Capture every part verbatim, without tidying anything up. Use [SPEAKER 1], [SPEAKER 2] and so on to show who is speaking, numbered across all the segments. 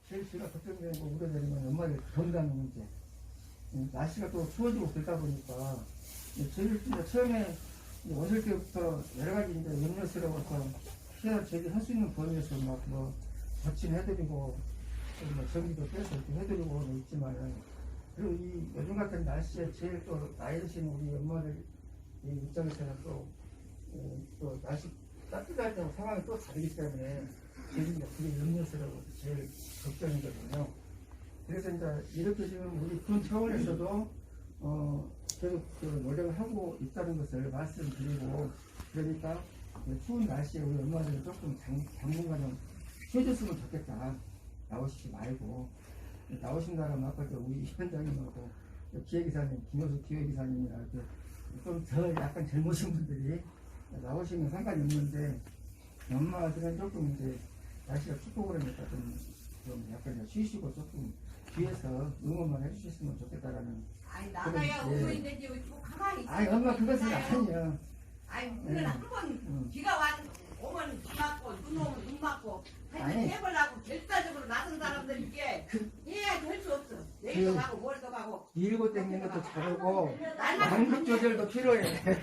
[SPEAKER 1] 제일 제가 걱정되는 거 우려되는 건 엄마들 건강 문제. 날씨가 또 추워지고 그러다 보니까 제일 진짜 처음에 오실 때부터 여러 가지 이제 염려스러워서 피해를 제기할 수 있는 범위에서 막 뭐 거친해드리고 뭐 전기도 빼서 이렇게 해드리고 있지만은 그리고 이 요즘 같은 날씨에 제일 또 나이 드신 우리 엄마들 이 입장에서는 또, 어, 또 날씨 따뜻할 때 상황이 또 다르기 때문에 제일 이제 그게 염려스러워 제일 걱정이거든요. 그래서 이제 이렇게 지금 우리 군 차원에서도 어 계속 그 노력을 하고 있다는 것을 말씀드리고 그러니까 추운 날씨에 우리 엄마들은 조금 장, 당분간은 쉬어줬으면 좋겠다. 나오시지 말고 나오신다면 아까 우리 현장님하고 기획이사님 김효수 기획이사님이나 이렇게 좀 더 약간 젊으신 분들이 나오시면 상관이 없는데 엄마들은 조금 이제 날씨가 춥고 그러니까 좀, 좀 약간 쉬시고 조금 뒤에서 응원만 해주셨으면 좋겠다라는.
[SPEAKER 2] 아니 나가야 응원이 되지 왜 또 가만히 있어.
[SPEAKER 1] 아니 엄마 그것은 아니야.
[SPEAKER 2] 아니 우리는 한번
[SPEAKER 1] 응.
[SPEAKER 2] 비가 와 오면 비 맞고 눈 오면 눈 맞고 하여튼
[SPEAKER 1] 아니.
[SPEAKER 2] 해보려고 결사적으로 나선 사람들 이게 해야지 할 수 없어. 내일도
[SPEAKER 1] 그-
[SPEAKER 2] 가고 모레도 가고
[SPEAKER 1] 밀고 당기는 것도 잘하고 완급 조절도 필요해.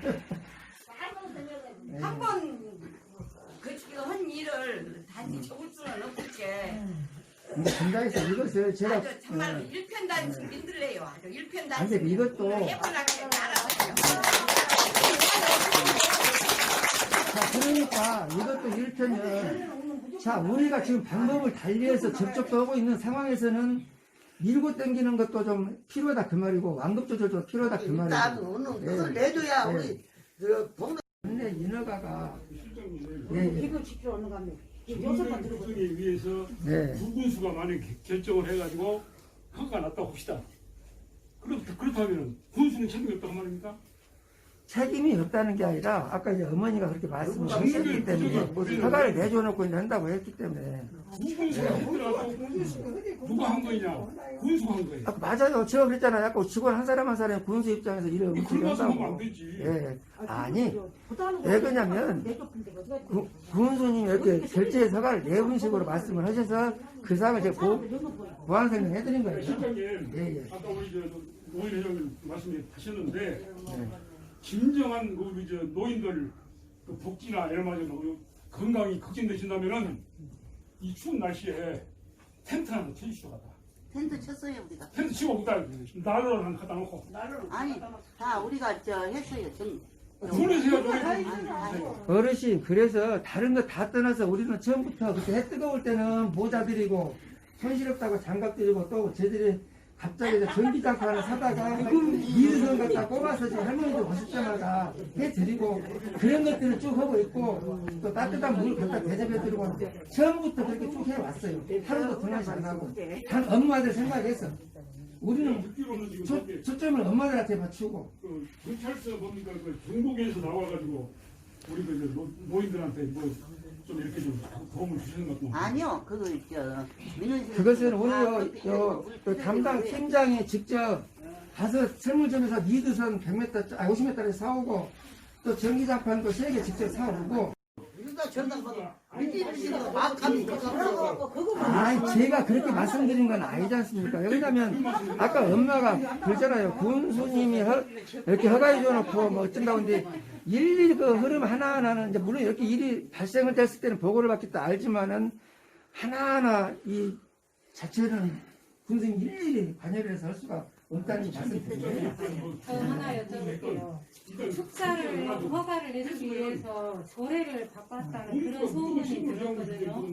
[SPEAKER 1] 네.
[SPEAKER 2] 한번 그 지금 한 일을 다시 적을 수는 없을게.
[SPEAKER 1] 근데 분당에서 이것을 제가
[SPEAKER 2] 아주 정말로
[SPEAKER 1] 네.
[SPEAKER 2] 일편단심 힘들래요. 아주
[SPEAKER 1] 아니,
[SPEAKER 2] 일편단심.
[SPEAKER 1] 근데 이것도-
[SPEAKER 2] 해보려고 알아서 해요.
[SPEAKER 1] 자 그러니까 이것도 일편은 자 우리가 지금 방법을 달리해서 접촉도 하고 있는 상황에서는 밀고 당기는 것도 좀 필요하다 그 말이고 완급 조절도 필요하다 그
[SPEAKER 3] 일단
[SPEAKER 1] 말이고.
[SPEAKER 3] 오늘
[SPEAKER 1] 예.
[SPEAKER 3] 그걸 내줘야
[SPEAKER 1] 예.
[SPEAKER 3] 우리 그 동네
[SPEAKER 1] 근데 인허가가 예, 예.
[SPEAKER 4] 이거 지키러 오는 겁니다.
[SPEAKER 5] 정부의 구성에 위해서
[SPEAKER 1] 네.
[SPEAKER 5] 군수가 만약 결정을 해가지고 허가가 났다고 합시다. 그렇, 그렇다면 군수는 책임이 없다고 말입니까?
[SPEAKER 1] 책임이 없다는 게 아니라 아까 이제 어머니가 그렇게 말씀을 하셨기 때문에 허가를 내줘놓고 이제 한다고 했기 때문에
[SPEAKER 5] 군수가 힘들어서 누가 한 거냐? 군수가 한 거예요.
[SPEAKER 1] 아까 맞아요. 제가 그랬잖아요. 아까 직원 한 사람 한 사람이 군수 입장에서 일을
[SPEAKER 5] 그런
[SPEAKER 1] 움직여
[SPEAKER 5] 말씀 하면 안
[SPEAKER 1] 한다고.
[SPEAKER 5] 되지.
[SPEAKER 1] 예. 아니 왜 그러냐면 구- 군수님이 이렇게 결제의 허가를 내분 식으로 말씀을 하셔서 그 사항을 제가 보, 보완 설명해드린 거예요.
[SPEAKER 5] 실장님,
[SPEAKER 1] 예, 예.
[SPEAKER 5] 아까 우리 저 노인 회장님 말씀하셨는데
[SPEAKER 1] 네.
[SPEAKER 5] 진정한 그 우리 저 노인들 그 복지나 이런 말로 건강이 걱정되신다면은 이 추운 날씨에 텐트 하나 쳐주시오 가다.
[SPEAKER 3] 텐트 쳤어요 우리가.
[SPEAKER 5] 텐트 치고 없다. 난로를 한 갖다 놓고.
[SPEAKER 3] 아니 다 우리가 저 했어요. 좀
[SPEAKER 5] 군에서 해가지고
[SPEAKER 3] 아니, 아니.
[SPEAKER 1] 어르신 그래서 다른 거 다 떠나서 우리는 처음부터 그때 해 뜨거울 때는 모자 드리고 손시렵다고 장갑 드리고 또 저들이 갑자기 저 전기장판 하나 사다가 미르선 갖다 꼽아서 지금 할머니도 보실 때마다 해드리고 그런 것들을 쭉 하고 있고 또 따뜻한 물 갖다 대접해드리고 처음부터 그렇게 쭉 해왔어요. 하루도 등하지 안 하고 단 엄마들 생각해서 우리는
[SPEAKER 5] 듣기로는 지금
[SPEAKER 1] 초,
[SPEAKER 5] 저기
[SPEAKER 1] 초점을 엄마들한테 맞추고
[SPEAKER 5] 그 경찰서 뭡니까 그 전국에서 나와가지고 우리 그 노- 노인들한테 뭐 좀 이렇게 좀 도움을 주시는 것도
[SPEAKER 3] 아니요 그거 저 민원실
[SPEAKER 1] 그것은 오늘 요, 요, 요 담당 팀장이 직접 가서 설문점에서 리드선 백 미터, 아 오십 미터를 사오고 또 전기장판도 세 개 직접 사오고
[SPEAKER 3] 우리가 전담받아 민지실도 막하면 그거
[SPEAKER 1] 아 제가 그렇게 말씀드린 건 아니지 않습니까? 왜냐면 아까 엄마가 그러잖아요. 군수님이 허, 이렇게 허가해 줘놓고 뭐 어쩐다고 근데 일일이 그 흐름 하나하나는 이제 물론 이렇게 일이 발생을 됐을 때는 보고를 받겠다 알지만은 하나하나 이 자체는 군수님 일일이 관여를 해서 할 수가 없다는 말씀드려요.
[SPEAKER 6] 저 하나 여쭤볼게요. 축사를 허가를 내주기 위해서 조례를 바꿨다는 그런 소문이 들었거든요.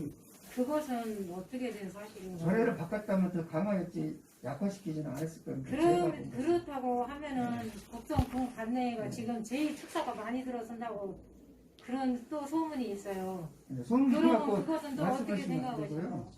[SPEAKER 6] 그것은 어떻게 된 사실인가요?
[SPEAKER 1] 조례를 바꿨다면 더 강화했지 약화시키지는 않았을 겁니다. 제가
[SPEAKER 6] 그러,
[SPEAKER 1] 보기에는.
[SPEAKER 6] 그렇다고 하면은 국정군 관내가 지금 제일 축사가 많이 들어선다고 그런 또 소문이 있어요.
[SPEAKER 1] 손
[SPEAKER 6] 그러면
[SPEAKER 1] 갖고
[SPEAKER 6] 그것은 또 어떻게
[SPEAKER 1] 말씀하시면 안 되고요.
[SPEAKER 6] 생각하시나요?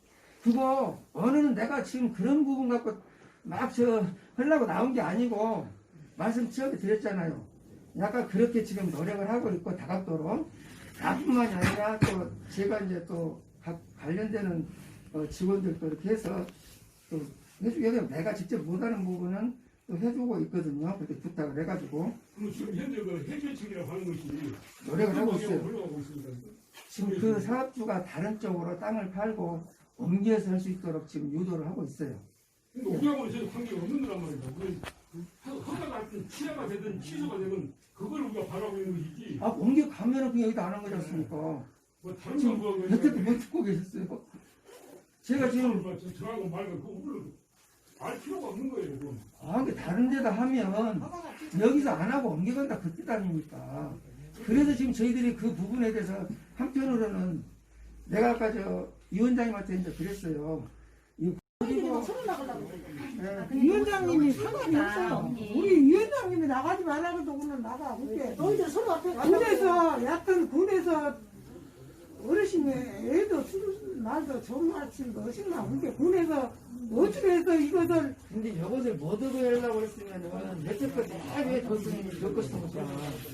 [SPEAKER 1] 그거 어느는 내가 지금 그런 부분 갖고 막 저 하려고 나온 게 아니고 말씀 처음에 드렸잖아요. 약간 그렇게 지금 노력을 하고 있고 다각도로 나뿐만이 아니라 또 제가 이제 또 각 관련되는 어, 직원들도 이렇게 해서 또 해주게 되면 내가 직접 못하는 부분은 또 해주고 있거든요. 그렇게 부탁을 해가지고
[SPEAKER 5] 그럼 지금 현재 그 해결책이라고 하는 것이
[SPEAKER 1] 노력을 하고 있어요.
[SPEAKER 5] 흘러가고 있습니다.
[SPEAKER 1] 지금 그 사업주가 다른 쪽으로 땅을 팔고 옮겨서 할 수 있도록 지금 유도를 하고 있어요.
[SPEAKER 5] 근데 우리하고는 전혀 관계가 없는 거란 말이죠. 우리 허가가 됐든 취하가 되든 취소가 되든 그걸 우리가 바라고 있는 것이지.
[SPEAKER 1] 아, 옮겨가면은 그냥 여기다 안 한 거지 않습니까?
[SPEAKER 5] 뭐 다른
[SPEAKER 1] 지금
[SPEAKER 5] 거 뭐,
[SPEAKER 1] 여태도 못 듣고 계셨어요. 제가 지금,
[SPEAKER 5] 뭐 저- 저하고 말고 그거 우리를 알 필요가 없는 거예요. 그건.
[SPEAKER 1] 아, 근데 다른 데다 하면 여기서 안 하고 옮겨간다 그 뜻 아닙니까? 그래서 지금 저희들이 그 부분에 대해서 한편으로는 내가 아까 저 위원장님한테 이제 그랬어요. 이 그리고 네.
[SPEAKER 4] 위원장님이 상관이 없어요. 우리 위원장님이 나가지 말라고도 오늘 나가. 그게
[SPEAKER 3] 너희들 서로 앞에
[SPEAKER 4] 군에서 약간 군에서 어르신이 애도 술 말도 좋은 말씀도 어신나. 그게 군에서 어떻게 해서 이것을
[SPEAKER 1] 근데 이것을 못 얻어 하려고 했으면은 여태껏 다왜 교수님이 겪었던 거잖아.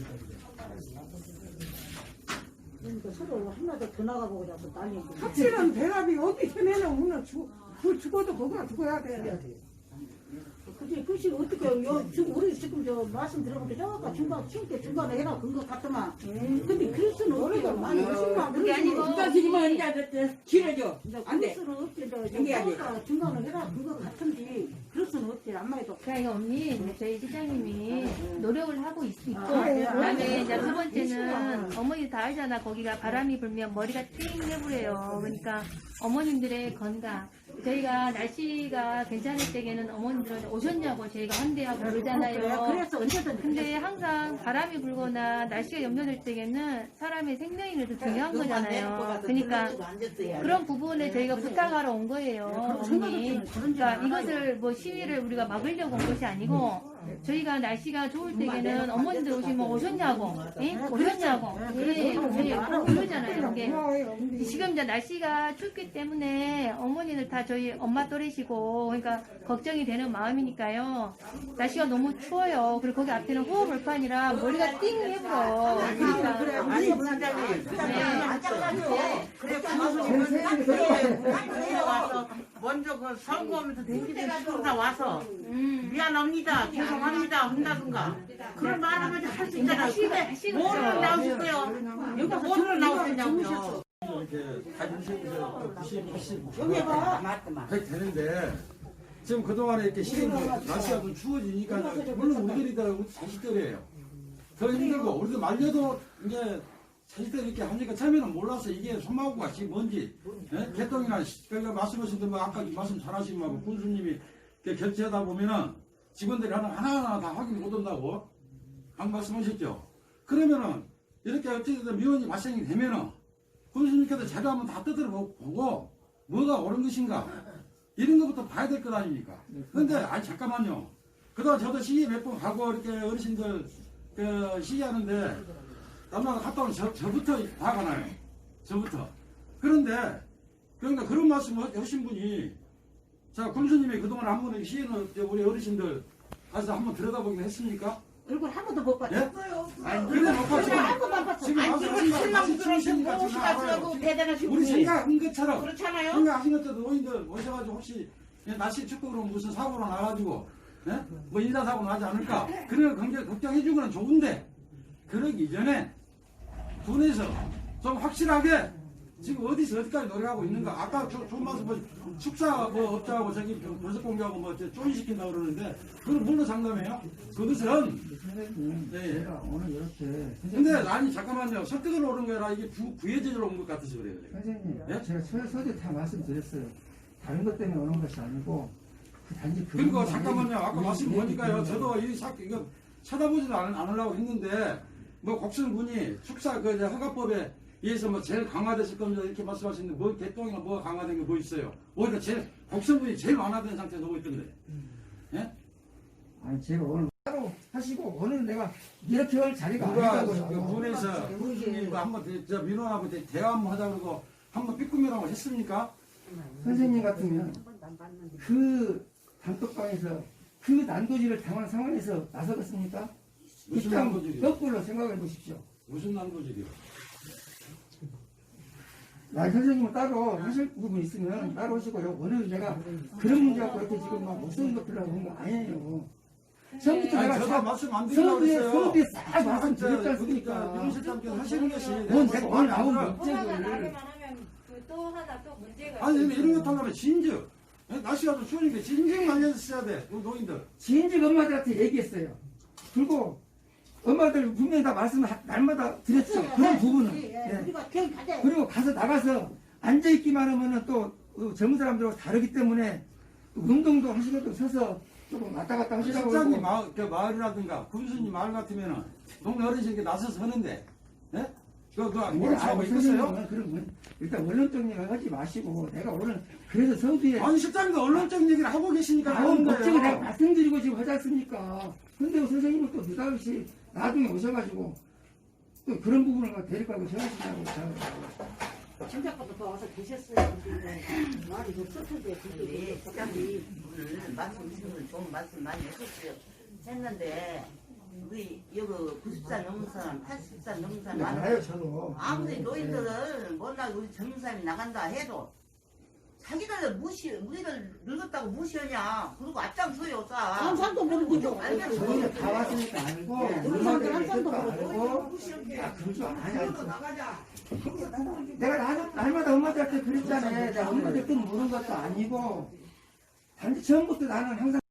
[SPEAKER 3] 그러니까 서로 하나도 더 나가보고 자꾸 난리.
[SPEAKER 4] 확실한 대답이 어디 전에는 오늘 죽, 그 죽어도 그거나 죽어야 돼.
[SPEAKER 3] 그치, 그치, 어떻게, 요, 지금, 우리 지금 저 말씀 들어보니까 저가 중간, 친게 중간에 해라, 그런 것 같더만. 근데 그럴 수는 없죠.
[SPEAKER 4] 많이 오신다.
[SPEAKER 2] 그게 아니고
[SPEAKER 7] 누가 지금은 이제 길어져. 안 돼.
[SPEAKER 3] 그럴 수는 없지. 저,
[SPEAKER 7] 연기해야지.
[SPEAKER 3] 저가 중간에 해라, 그거 같은데. 그럴 수는 없지. 안마해도.
[SPEAKER 8] 그러니까 언니 저희 시장님이 노력을 하고 있, 있고
[SPEAKER 3] 아, 네.
[SPEAKER 8] 그다음에 이제 두 번째는 어머니 다 알잖아. 거기가 바람이 불면 머리가 띵 해부래요. 그러니까 어머님들의 건강. 저희가 날씨가 괜찮을 때에는 어머님들은 오셨냐고 저희가 환대하고
[SPEAKER 3] 그래,
[SPEAKER 8] 그러잖아요.
[SPEAKER 3] 그래서 언제든지.
[SPEAKER 8] 근데 항상 바람이 불거나 날씨가 염려될 때에는 사람의 생명이 더 중요한 거잖아요. 그러니까 그런 부분에 저희가 부탁하러 온 거예요, 어머니. 그러니까 이것을 뭐 시위를 우리가 막으려고 온 것이 아니고 저희가 날씨가 좋을 때에는 어머님들 오시면 오셨냐고, 예? 오셨냐고, 예, 예, 그러잖아요. 이게 지금 이제 날씨가 춥기 때문에 어머니들 다 저희 엄마 또래시고 그러니까 걱정이 되는 마음이니까요. 날씨가 너무 추워요. 그리고 거기 앞에는 호흡을판이라 머리가 띵 해불어. 그러니까
[SPEAKER 3] 그래, 아니, 부장님.
[SPEAKER 7] 그래,
[SPEAKER 3] 와서 먼저 그 선거하면서 댕기는 식으로 다 와서 미안합니다, 죄송합니다 한다든가 그런 말하면 할 수 있잖아요. 근데 뭐를 나오실 거예요? 여기가 뭐를 나오셨냐고요.
[SPEAKER 9] 이렇게 가진세에서 구십, 팔십,
[SPEAKER 3] 여기 봐.
[SPEAKER 7] 맞더만.
[SPEAKER 9] 그렇게 되는데 지금 그동안에 이렇게 시기 날씨가 좀 추워지니까 물론 우리들이다 우리 자식들이에요. 더 힘들고 우리도 말려도 이제 자식들이 이렇게 하니까 처음에는 몰라서 이게 소마구가 지금 뭔지 예? 개똥이나 그러니까 말씀하신 대로 아까 말씀 잘하신 거 군수님이 결제하다 보면은 직원들이 하나 하나하나 다 확인 못 한다고 방 말씀하셨죠. 그러면은 이렇게 어쨌든 미원이 발생이 되면은 군수님께서 자료 한번 다 뜯어 보고 뭐가 옳은 것인가 이런 것부터 봐야 될 것 아닙니까? 근데 아니 잠깐만요. 그동안 저도 시기 몇 번 가고 이렇게 어르신들 그 시기하는데 남자가 갔다 오면 저, 저부터 화가 나요. 저부터. 그런데 그러니까 그런 말씀을 하신 분이 자 군수님이 그동안 한 번에 시에는 우리 어르신들 가서 한번 들여다보긴 했습니까?
[SPEAKER 3] 얼굴 한 번도 못 봤죠.
[SPEAKER 9] 예?
[SPEAKER 3] 아니,
[SPEAKER 9] 근데 못 봤죠.
[SPEAKER 3] 한 번만 봤어.
[SPEAKER 9] 지금
[SPEAKER 3] 아니,
[SPEAKER 9] 와서
[SPEAKER 3] 지금
[SPEAKER 9] 지금
[SPEAKER 3] 신랑
[SPEAKER 9] 지금
[SPEAKER 3] 들어오시고
[SPEAKER 9] 지금
[SPEAKER 3] 오시가지고 대단하신
[SPEAKER 9] 우리
[SPEAKER 3] 분이
[SPEAKER 9] 생각한 것처럼
[SPEAKER 3] 그렇잖아요.
[SPEAKER 9] 생각하신 것처럼 노인들 모셔가지고 혹시 날씨 춥고 그러면 무슨 사고로 나가지고 예? 뭐 인사사고 나지 않을까 그런 굉장히 걱정해준 건 좋은데 그러기 전에 군에서 좀 확실하게 지금 어디서 어디까지 노력하고 있는가 아까 조, 좋은 말씀 뭐 축사 뭐 업자하고 저기 벌써 공개하고 뭐 조인시킨다 그러는데 그건 뭘로 장담해요? 그것은
[SPEAKER 1] 선생님,
[SPEAKER 9] 네.
[SPEAKER 1] 제가 오늘 이렇게
[SPEAKER 9] 근데 아니 잠깐만요 설득을 오는 거라 이게 부, 부예제로 온 것 같아서 그래요 제가.
[SPEAKER 1] 선생님,
[SPEAKER 9] 예?
[SPEAKER 1] 제가 서, 서재 다 말씀드렸어요. 다른 것 때문에 오는 것이 아니고 그 단지 그
[SPEAKER 9] 그리고
[SPEAKER 1] 부분만
[SPEAKER 9] 잠깐만요. 아까
[SPEAKER 1] 얘기-
[SPEAKER 9] 말씀
[SPEAKER 1] 얘기
[SPEAKER 9] 보니까요.
[SPEAKER 1] 드리는
[SPEAKER 9] 저도
[SPEAKER 1] 거예요.
[SPEAKER 9] 이 사, 이거 쳐다보지도 않, 않으려고 했는데, 뭐, 곡선군이 축사 그 이제 허가법에 의해서 뭐 제일 강화됐을 겁니다. 이렇게 말씀하시는데, 뭐, 개똥이나 뭐가 강화된 게 뭐 있어요? 오히려 제일, 곡선군이 제일 완화된 상태에 놓고 있던데. 예?
[SPEAKER 1] 아니 제가 오늘 따로 하시고 오늘 내가 이렇게 할 자리가
[SPEAKER 9] 누가
[SPEAKER 1] 아니라고요.
[SPEAKER 9] 그 군에서 군수님과 한번 대- 저 민원하고 대- 대화 한번 하자 그러고 한번 삐꾸미라고 했습니까?
[SPEAKER 1] 선생님 같으면 그 단톡방에서 그 난도질을 당한 상황에서 나서겠습니까?
[SPEAKER 9] 무슨
[SPEAKER 1] 이땅
[SPEAKER 9] 난도질이요?
[SPEAKER 1] 거꾸로 생각해 보십시오.
[SPEAKER 9] 무슨 난도질이요?
[SPEAKER 1] 나 선생님은 따로 하실 부분 있으면 따로 하시고요. 오늘 내가 그런 문제 갖고 이렇게 지금 막 못쓰는 것들하고 하는 거 아니에요. 처음부터
[SPEAKER 9] 아니,
[SPEAKER 1] 내가
[SPEAKER 9] 저도
[SPEAKER 1] 자-
[SPEAKER 9] 말씀 안 드리려고
[SPEAKER 1] 서두에
[SPEAKER 9] 했어요.
[SPEAKER 1] 서두에 싹 말씀드렸지
[SPEAKER 9] 그러니까
[SPEAKER 1] 않습니까?
[SPEAKER 9] 민원실장께서 하시는 것이
[SPEAKER 1] 뭔 내가 오늘 나온
[SPEAKER 9] 거를
[SPEAKER 1] 문제를
[SPEAKER 6] 말하면 그 또 하나 또 문제가
[SPEAKER 9] 아니
[SPEAKER 6] 있어요.
[SPEAKER 9] 이런 것 하려면 진즉 예? 날씨가 좀 추우니까 진즉 말려주셔야 돼 우리 노인들.
[SPEAKER 1] 진즉 엄마들한테 얘기했어요. 그리고 엄마들 분명히 다 말씀 날마다 드렸죠. 그런 부분은. 예. 그리고 가서 나가서 앉아있기만 하면은 또 어, 젊은 사람들하고 다르기 때문에 운동도 하시고도 서서 조금 왔다 갔다 하시라고.
[SPEAKER 9] 직장이
[SPEAKER 1] 그러고.
[SPEAKER 9] 마을, 그 마을이라든가 군수님 마을 같으면은 동네 어르신께 나서서 하는데 예? 그거 그거 모른 척하고 있겠어요?
[SPEAKER 1] 그런 건 일단 원론적 얘기를 하지 마시고 내가 오늘 그래서 서두에
[SPEAKER 9] 아니 실장님도 언론적인 얘기를 하고 계시니까
[SPEAKER 1] 나온
[SPEAKER 9] 하는
[SPEAKER 1] 목적을 내가
[SPEAKER 9] 거예요.
[SPEAKER 1] 말씀드리고 지금 하지 않습니까? 근데 선생님은 또 느닷없이 나중에 오셔가지고 또 그런 부분을 갖다 데리고 가고 저하시냐고
[SPEAKER 7] 진작부터 더 와서 계셨어요. 근데 말이 좀 쏟던데
[SPEAKER 2] 우리 부장님 오늘 말씀 주시는 좋은 말씀 많이 해줬어요. 했는데 우리 여기 구십 살 넘은 사람, 팔십 살 넘은 사람 많아요.
[SPEAKER 1] 알아요 저도.
[SPEAKER 2] 아무리 노인들은 몰라 우리 젊은 사람이 나간다 해도 자기들 무시 우리를 늙었다고 무시하냐. 그리고 앞장서요 싸.
[SPEAKER 7] 항상도 모르고
[SPEAKER 1] 저희는 다 왔으니까 알고 엄마들이 했을까 알고 아 그럴 줄 알아야지. 내가 날, 날마다 엄마들한테 그랬잖아요. 내가 엄마들 뜻 모르는 것도 아니고 단지 처음부터 나는 항상